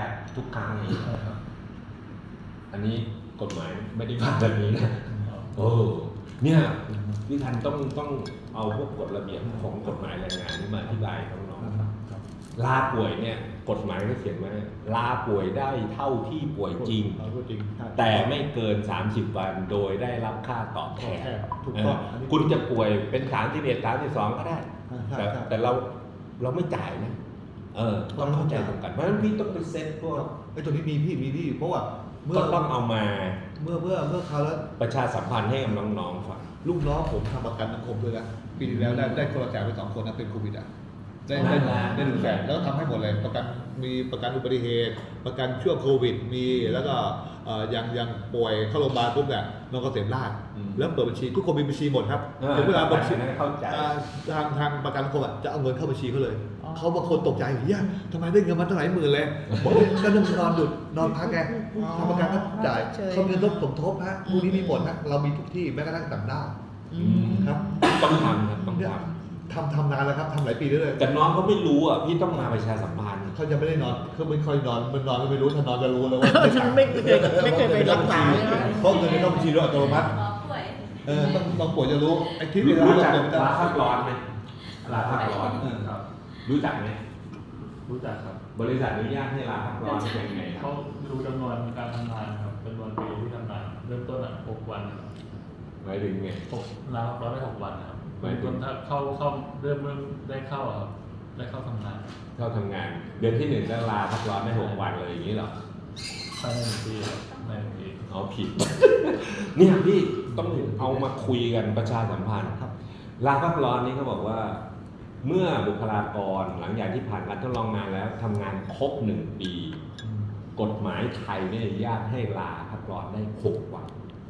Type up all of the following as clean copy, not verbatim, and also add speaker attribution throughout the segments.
Speaker 1: กทุกครั้งนี้อันนี้กฎหมายไม่ได้ผ่านแบบนี้นะโอ้เนี่ยพี่ทันต้องเอาพวกกฎระเบียบของกฎหมายแรงงานนี่มาอธิบายน้องๆลาป่วยเนี่ยกฎหมายก็เขียนไว้ลาป่วยได้เท่าที่ป่วยจริงแต่ไม่เกิน30 วันโดยได้รับค่าตอบแทนคุณจะป่วยเป็น31 32ก็ได้แต่เราไม่จ่ายนะต้องเข้าใจตรงกันเพราะฉะนั้นพี่ต้องไปเซ็ตพวก
Speaker 2: ไอ้ตัวนี้มีพี่เพราะว่า
Speaker 1: ก็ต้องเอามา
Speaker 2: เมื่อเขาแล้ว
Speaker 1: ประชาสัมพันธ์ให้กับน้องๆฟัง
Speaker 2: ลูกน้องผมทำประกันสังคมด้วยนะปีที่แล้วได้คนละแสนไป2 คนนะเป็นโควิดได้100,000แล้วทำให้หมดเลยมีประกันอุบัติเหตุประกันช่วงโควิดมีแล้วก็ยังป่วยเข้าโรงพยาบาลปุ๊บเนี่ยน้องเกษมราชแล้วเปิดบัญชีทุกคนมีบัญชีหมดครับถึงเวลาบัญชีทางประกันสังคมจะเอาเงินเข้าบัญชีเขาเลยเขาบางคนตกใจเฮ้ยทำไมได้เงินมาตั้งหลายหมื่นเลยบอกก็นอนดุดนอนพักแกทำประกันก็จ่ายเขาเงินสมทบฮะพวกนี้มีหมดนะเรามีทุกที่แม้กระทั่งต่างด้าวครับ
Speaker 1: ต้องทำครับต้อง
Speaker 2: ทำนานแล้วครับทำหลายปีเลย
Speaker 1: แต่น้องเขาไม่รู้อ่ะพี่ต้องมาประชาสัมพันธ์
Speaker 2: เขาจะไม่ได้นอนเขาไม่ค่อยนอนมันนอนก็ไม่รู้ถ้านอนจะรู้แล้วว่า
Speaker 3: ไม่เคยไปรักษา
Speaker 2: เพราะเงินเข้าบัญชีด้วยอัตโนมัติต้องป่วยจะรู้ไอ้ที่เวลา
Speaker 1: รู้จักลาพักร้อนไหมลาพักร้อนรู้จักไหม
Speaker 4: รู้จักครับ
Speaker 1: บริษัทอนุญาตให้ลาพักร้อนเป็นไง
Speaker 4: เขาดูจำนวนการทำงานครับจำนวนปีที่ทำงานเริ่มต้น6 วัน
Speaker 1: หมายถึงไง
Speaker 4: ลาพักร้อนได้6 วันครับหมายถึงถ้าเข้าเริ่มได้เข้าครับได้เข้าทำงาน
Speaker 1: เดือนที่1แล้วลาพักร้อนได้6 วันเลยอย่างนี้หรอ
Speaker 4: ภายใน1 ปีครับใน1 ปี
Speaker 1: เอาผิดเนี่ยพี่ต้องเอามาคุยกันประชาสัมพันธ์ลาพักร้อนนี้เขาบอกว่าเมื่อบุคลากรหลังจากที่ผ่านการทดลองงานแล้วทำงานครบ1 ปีกฎหมายไทยไม่อนุญาตให้ลาพักร้อนได้6 วัน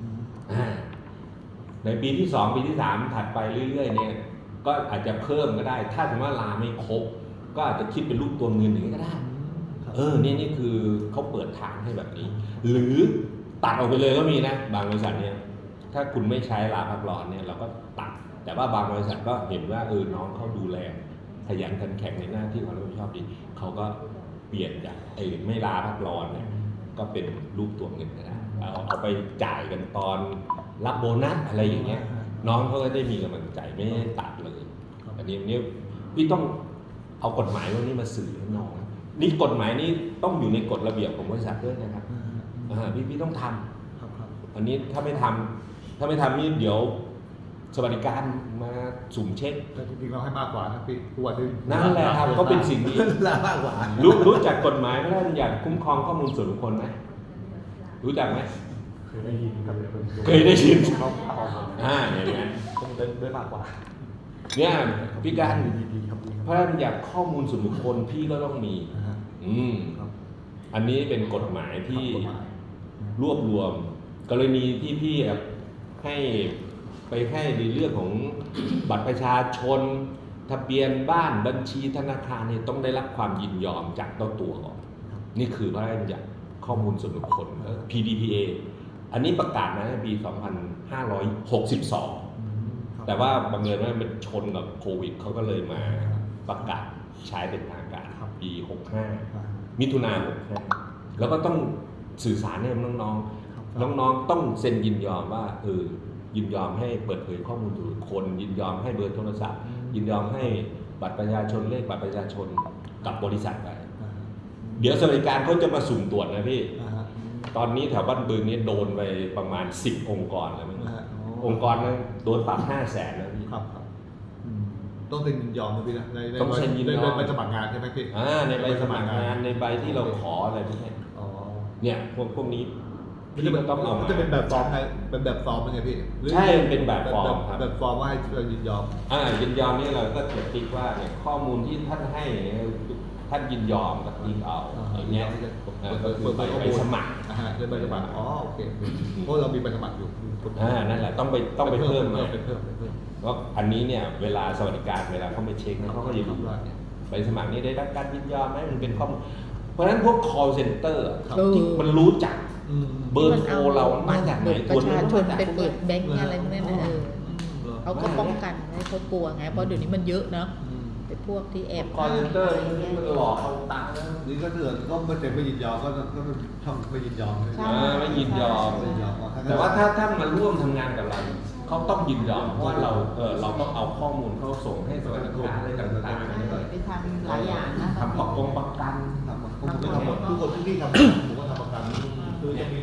Speaker 1: ในปีที่2ปีที่3ถัดไปเรื่อยๆเนี่ยก็อาจจะเพิ่มก็ได้ถ้าสมมติว่าลาไม่ครบก็อาจจะคิดเป็นรูปตัวเงินอย่างนี้ก็ได้นี่คือเขาเปิดทางให้แบบนี้หรือตัดออกไปเลยก็มีนะบางบริษัทเนี่ยถ้าคุณไม่ใช้ลาพักร้อนเนี่ยเราก็ตัดแต่ว่าบางบริษัทก็เห็นว่าน้องเขาดูแลขยันขันแข็งในหน้าที่ความรับผิดชอบดีเขาก็เปลี่ยนจากไม่ลาพักร้อนเนี่ยก็เป็นรูปตัวเงินก็ได้เอาไปจ่ายกันตอนรับโบนัสอะไรอย่างเงี้ยน้องเขาก็ได้มีกำลังใจไม่ได้ตัดเลยอันนี้พี่ต้องเอากฎหมายพวกนี้มาสื่อให้น้องนี่กฎหมายนี้ต้องอยู่ในกฎระเบียบของบริษัทด้วยนะครับพี่ต้องทำอันนี้ถ้าไม่ทำนี่เดี๋ยวสวัสดิการมาสุ่มเช็ค
Speaker 2: แต่จริงๆเราให้มากกว่านะพี่ตัวนึง
Speaker 1: นั่นแหละครับก็เป็นสิ่งที่
Speaker 2: มากกว่า
Speaker 1: รู้จักกฎหมายพระราชบัญญัติคุ้มครองข้อมูลส่วนบุคคลไหมรู้จักไหม
Speaker 4: เคยได้ยินครับ
Speaker 1: เนี่ย
Speaker 2: ต้องได้มากกว่า
Speaker 1: เนี่ยพี่การพระราชบัญญัติข้อมูลส่วนบุคคลพี่ก็ต้องมีอันนี้เป็นกฎหมายที่รวบรวมกรณีที่พี่ให้ในเรื่องของบัตรประชาชนทะเบียนบ้านบัญชีธนาคารเนี่ยต้องได้รับความยินยอมจากเจ้าตัวก่อนนี่คือพระราชบัญญัติข้อมูลส่วนบุคคล PDPA อันนี้ประกาศมาในปี 2562 แต่ว่าบังเอิญว่ามันชนกับโควิดเขาก็เลยมาประกาศใช้เป็นทางการปี 65 มิถุนายน 65 แล้วก็ต้องสื่อสารให้น้องต้องเซ็นยินยอมว่ายินยอมให้เปิดเผยข้อมูลส่วนบุคคลยินยอมให้เบอร์โทรศัพท์ยินยอมให้บัตรประชาชนเลขบัตรประชาชนกับบริษัทไปเดี๋ยวสวัสดิการเขาจะมาสุ่มตรวจนะพี่ตอนนี้แถวบ้านบึงนี้โดนไปประมาณ10 องค์กรแล้วมั้งองค์กรนั้นโดนปรับ500,000แล้วพี่
Speaker 2: ครับต้องเซ็นยินยอมนะพี่นะ
Speaker 1: ต้องเซ็นยินยอม
Speaker 2: ในใบสมัครงานใช่ไหมพี่
Speaker 1: ในใบสมัครงานในใบที่เราขออะไรพวกนี้เนี่ยพวกนี้
Speaker 2: พี่ก็ต้องเอาจะเป็นแบบฟอร์มไงเป็นแบบฟอร์มเป็นไงพี่
Speaker 1: ใช่เป็นแบบฟอร์มครับ
Speaker 2: แบบฟอร์มว่าให้เรายินยอม
Speaker 1: ยินยอมนี่เราก็จะติ๊กว่าเนี่ยข้อมูลที่ท่านให้ท่านยินยอมกับติ๊กเอาอย่างเงี้ยก็คือใบสมัคร
Speaker 2: ใบสมัครโอเคเพราะเรามีใบสมัครอยู่
Speaker 1: นั่นแหละต้องไปเพิ่มมาเพราะอันนี้เนี่ยเวลาสวัสดิการเวลาเขาไปเช็คเขาก็จะดูว่าใบสมัครนี้ได้รับการยินยอมไหมมันเป็นข้อมูลเพราะฉะนั้นพวก call center ที่มันรู้จักเบอร์โทรเรามาจากไหน
Speaker 3: ประชาชนไปเปิดแบงก์อะไรพวกนั้นเขาก็ป้องกันไม่เขากลัวไงเพราะเดี๋ยวนี้มันเยอะเนาะพวกที่แอบ
Speaker 1: คอลเซนเตอร์
Speaker 3: ะไเงี้ย
Speaker 1: หลอกเอาตังค์นะ
Speaker 2: นี่ก็เถื่อนก็ไม่แต่ไม่ยินยอมก็ช่องไม่ยินยอม
Speaker 3: ใช่
Speaker 1: ไม่ยินยอม
Speaker 2: ไม่ยินยอม
Speaker 1: แต่ว่าถ้ามาร่วมทำงานกับเราเขาต้องยินยอมเพราะว่าเราต้องเอาข้อมูลเขาส่งให้สวัสดิการอะไรต่างๆ
Speaker 3: ไปทำหลายอย่างนะ
Speaker 1: ทำประกัน
Speaker 2: ผมไม่ทำหมดทุกคนที่ทำผมก็ทำประกันคือจะมี